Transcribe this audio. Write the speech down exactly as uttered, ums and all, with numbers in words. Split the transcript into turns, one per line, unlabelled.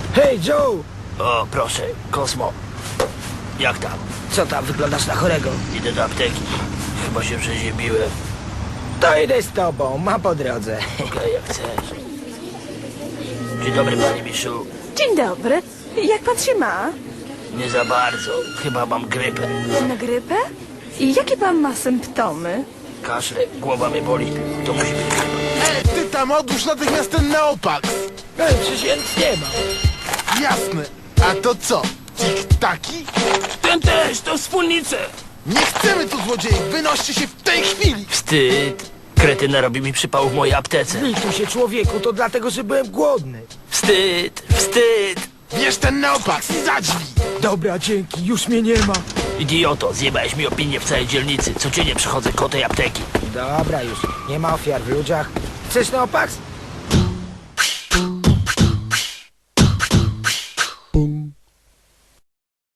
Hej, Joe!
O, proszę, Kosmo. Jak tam?
Co tam, wyglądasz na chorego?
Idę do apteki. Chyba się przeziębiłem.
To idę z tobą, ma po drodze.
Okej, jak chcesz. Dzień dobry, panie Miszu.
Dzień dobry. Jak pan się ma?
Nie za bardzo. Chyba mam grypę.
Na grypę? I jakie pan ma symptomy?
Kaszle, głowa mnie boli. To musi być grypa.
E, ty tam odłóż natychmiast ten Neopax!
Ej, przecież ja nic nie mam.
Jasne. A to co? Tik-taki?
Ten też, to wspólnice.
Nie chcemy tu złodziei! Wynoście się w tej chwili!
Wstyd. Kretyna robi mi przypał w mojej aptece.
Lituj się, człowieku, to dlatego, że byłem głodny.
Wstyd, wstyd.
Bierz ten Neopax i za drzwi!
Dobra, dzięki, już mnie nie ma.
Idioto, zjebałeś mi opinię w całej dzielnicy. Codziennie przychodzę koło tej apteki.
Dobra już, nie ma ofiar w ludziach. Chcesz Neopax?